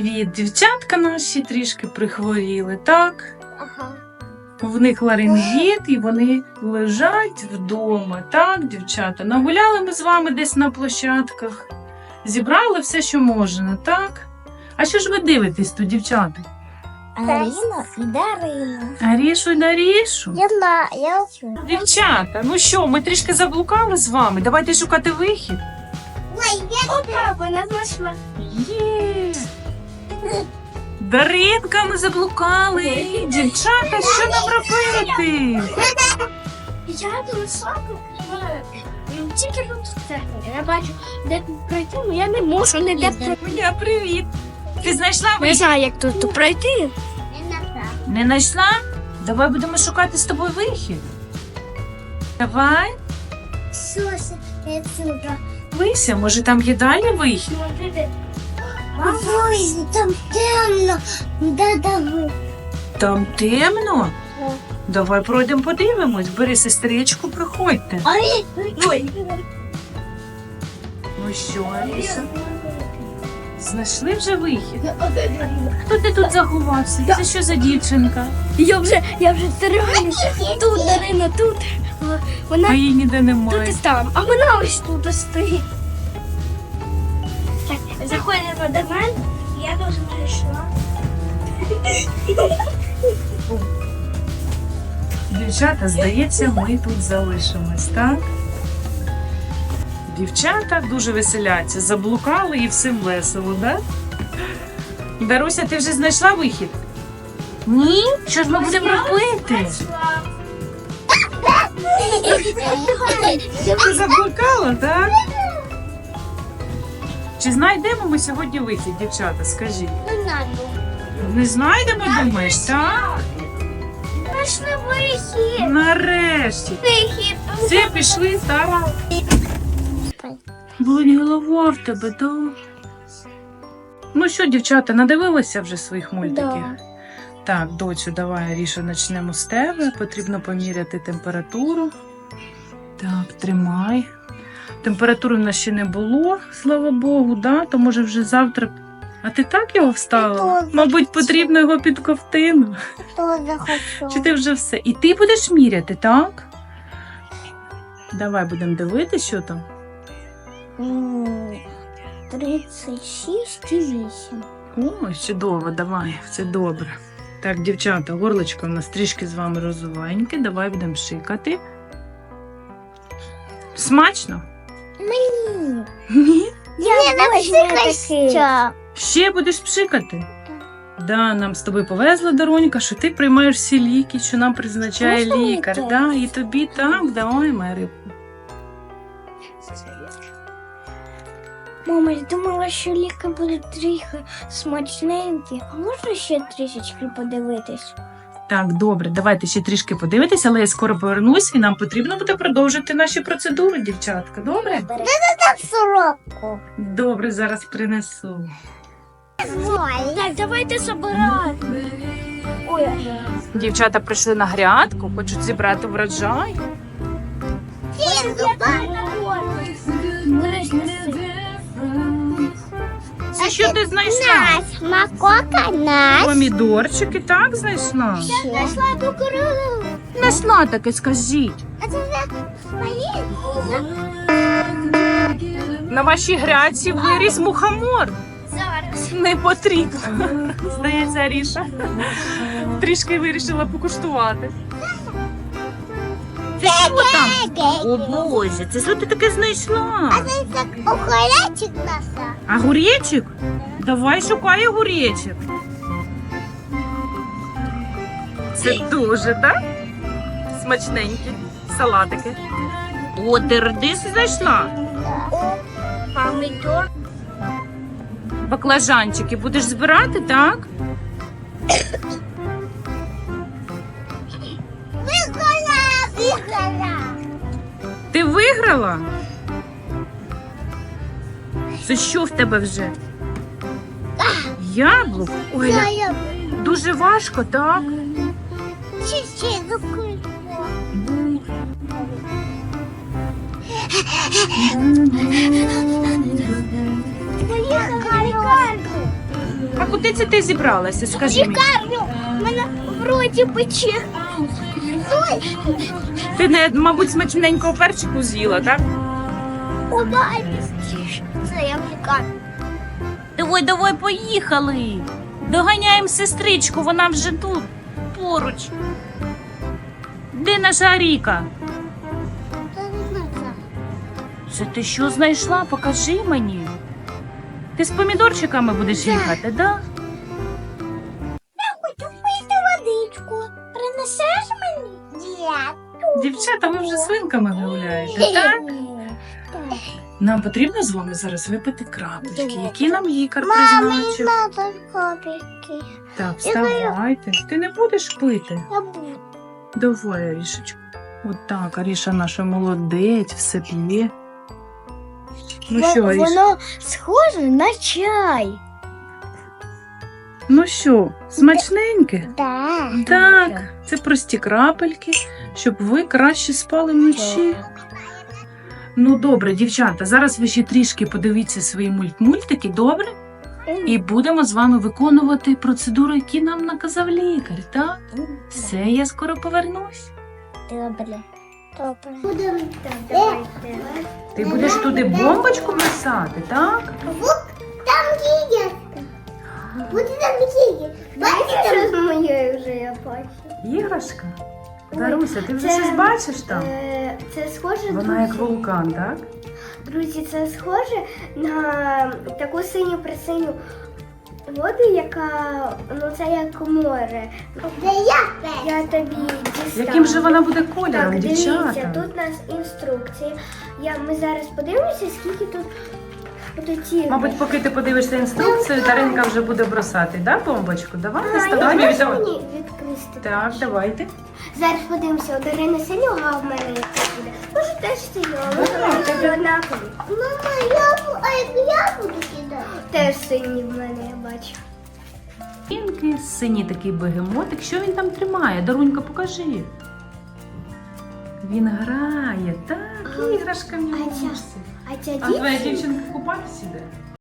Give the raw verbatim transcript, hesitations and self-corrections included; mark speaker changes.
Speaker 1: привіт! Дівчатка наші трішки прихворіли, так?
Speaker 2: Ага.
Speaker 1: В них ларингіт і вони лежать вдома, так, дівчата? Нагуляли ми з вами десь на площадках, зібрали все, що можна, так? А що ж ви дивитесь тут, дівчата?
Speaker 2: Арина і Дарина.
Speaker 1: Арішу й Дарішу?
Speaker 2: Я знаю, я вчу.
Speaker 1: Дівчата, ну що, ми трішки заблукали з вами, давайте шукати вихід.
Speaker 2: Ой, я Опа, вона знайшла.
Speaker 1: Є! Даринка, ми заблукали! Дівчата, що нам робити?
Speaker 2: Я тут слабо тільки тут церква. Я бачу, де тут пройти, але я не можу ніде пройти.
Speaker 1: Моя, привіт! Ти знайшла
Speaker 2: Не
Speaker 1: вихід?
Speaker 2: знаю, як тут пройти.
Speaker 1: Не знайшла? Давай будемо шукати з тобою вихід. Давай.
Speaker 2: Слушай, я сюда.
Speaker 1: Вися, може там є далі вихід?
Speaker 2: Ой, там темно. Да, да, ви.
Speaker 1: Там темно?
Speaker 2: Да.
Speaker 1: Давай пройдемо подивимось. Бери сестричку, приходьте.
Speaker 2: Ой, ой.
Speaker 1: Ну що, Аліса? Знайшли вже вихід? Хто ти тут заховався? Це що за дівчинка?
Speaker 2: Я вже, я вже стараюся. Тут, Дарина, тут. Вона
Speaker 1: А її ніде
Speaker 2: тут і
Speaker 1: немає.
Speaker 2: там. А вона ось тут стоїть. Так, заходимо до мене. Я дуже знайшла.
Speaker 1: Дівчата, здається, ми тут залишимось, так? Дівчата дуже веселяться, заблукали і всім весело, так? Даруся, ти вже знайшла вихід? Ні? Що ж ми будемо робити? Ти заблукала, так? Чи знайдемо ми сьогодні вихід, дівчата, скажіть?
Speaker 2: Не знаю.
Speaker 1: Не знайдемо, думаєш, так?
Speaker 2: Знайшли вихід.
Speaker 1: Нарешті.
Speaker 2: Вихід.
Speaker 1: Все, пішли, так? Болить голова в тебе, да? Ну що, дівчата, надивилися вже своїх мультиків?
Speaker 2: Да.
Speaker 1: Так, доцю, давай, Аріша, почнемо з тебе. Потрібно поміряти температуру. Так, тримай. Температури в нас ще не було, слава Богу, да? То може вже завтра. А ти так його вставила?
Speaker 2: Тоже.
Speaker 1: Мабуть, потрібно його під ковтину.
Speaker 2: Тоже хочу.
Speaker 1: Чи ти вже все? І ти будеш міряти, так? Давай будемо дивитися, що там.
Speaker 2: М, тридцять шість і вісім.
Speaker 1: Ой, чудово, давай, все добре. Так, дівчата, горлочко у нас трішки з вами розовеньке, давай будемо шикати. Смачно?
Speaker 2: Мені.
Speaker 1: Ні?
Speaker 2: Я не такий.
Speaker 1: Ще будеш пшикати? Да, нам з тобою повезла, Даронька, що ти приймаєш всі ліки, що нам призначає
Speaker 2: Можна
Speaker 1: лікар.
Speaker 2: ліки?
Speaker 1: Да, і тобі так, давай, моя рибка.
Speaker 2: Мама, я думала, що ліки будуть трохи смачненькі. А можна ще трішечки подивитись?
Speaker 1: Так, добре, давайте ще трішки подивитися, але я скоро повернусь і нам потрібно буде продовжити наші процедури, дівчатка. Добре?
Speaker 2: Де там сороку?
Speaker 1: Добре, зараз принесу.
Speaker 2: Так, давайте собирати. Ой,
Speaker 1: Дівчата прийшли на грядку, хочуть зібрати врожай. Це що ти знайшла?
Speaker 2: Макока нас.
Speaker 1: Помідорчики, так знайшла?
Speaker 2: Знайшла кукурудзу.
Speaker 1: Знайшла таке, скажіть.
Speaker 2: А це вже мої?
Speaker 1: На вашій грядці виріс мухомор.
Speaker 2: Зараз.
Speaker 1: Не потрібно. Здається, Аріша трішки вирішила покуштувати. Це що там? О Боже, це що ти таке знайшла?
Speaker 2: Це так охолячик наша.
Speaker 1: А гурєчик? Давай шукай гурєчик. Це дуже, так? Смачненькі салатики. О, ти редис знайшла?
Speaker 2: Помідор.
Speaker 1: Баклажанчики будеш збирати, так?
Speaker 2: Виграла, виграла.
Speaker 1: Ти виграла? Це що в тебе вже? Яблук? Ой,
Speaker 2: Я,
Speaker 1: я-
Speaker 2: я.
Speaker 1: дуже важко, так?
Speaker 2: Чуть-чуть закрила. Поїхали,
Speaker 1: А куди це ти зібралася? Скажи мені.
Speaker 2: Лікарню, в мене в роті пече.
Speaker 1: Ти, не, мабуть, смачненького перчику з'їла, так?
Speaker 2: Удай, це я в лікарню.
Speaker 1: Давай, давай, поїхали. Доганяємо сестричку, вона вже тут, поруч. Де наша Аріка?
Speaker 2: Та не знаю це.
Speaker 1: Це ти що знайшла? Покажи мені. Ти з помідорчиками будеш їхати, да?
Speaker 2: Я хочу пити водичку. Принесеш мені? Ні.
Speaker 1: Дівчата, ви вже свинками гуляєте, так? Нам потрібно з вами зараз випити крапочки, які нам лікар призначив.
Speaker 2: Надо копійки.
Speaker 1: Так, вставайте. Ти не будеш пити?
Speaker 2: Я буду.
Speaker 1: Давай, Арішечку. От так, Аріша наша молодець, все п'є. Ну що, Аріша?
Speaker 2: Воно схоже на чай.
Speaker 1: Ну що, смачненьке?
Speaker 2: Да.
Speaker 1: Так, це прості крапельки, щоб ви краще спали вночі. Ну добре, дівчата, зараз ви ще трішки подивіться свої мульт-мультики, добре? І будемо з вами виконувати процедуру, які нам наказав лікар, так? Все, я скоро повернусь.
Speaker 2: Добре. Добре. Будемо давайте.
Speaker 1: Ти будеш туди бомбочку писати, так?
Speaker 2: Там гігітка. Буде там гігітка. Бачите, що з моєю вже я бачу.
Speaker 1: Іграшка? Даруся, ти вже
Speaker 2: Це-
Speaker 1: щось бачиш там?
Speaker 2: Е, Це схоже,
Speaker 1: Вона як
Speaker 2: друзі,
Speaker 1: вулкан, так?
Speaker 2: друзі, це схоже на таку синю присиню воду, яка, ну це як море. Я, я тобі дістану.
Speaker 1: Яким же вона буде кольором,
Speaker 2: Так, дивіться,
Speaker 1: дівчата?
Speaker 2: тут у нас інструкція. Я, ми зараз подивимося, скільки тут будуть ігри.
Speaker 1: Мабуть, поки ти подивишся інструкцію, Даринка вже буде бросати, да, бомбочку? Давай,
Speaker 2: А,
Speaker 1: доставай.
Speaker 2: я можу
Speaker 1: Давай.
Speaker 2: мені відкрити?
Speaker 1: Так, давайте.
Speaker 2: Зараз подивимося, у Дарини синього, а в мене який буде. Може теж синього, може тобі однакові. Мама, я, а як я буду кидати? Теж сині в мене, я бачу.
Speaker 1: Інки, синій такий бегемотик. Що він там тримає? Дарунька, покажи. Він грає, так, іграшка в нього.
Speaker 2: А ця-
Speaker 1: носить.
Speaker 2: А ця
Speaker 1: А твоя
Speaker 2: дівчинка,
Speaker 1: дівчинка купатися іде?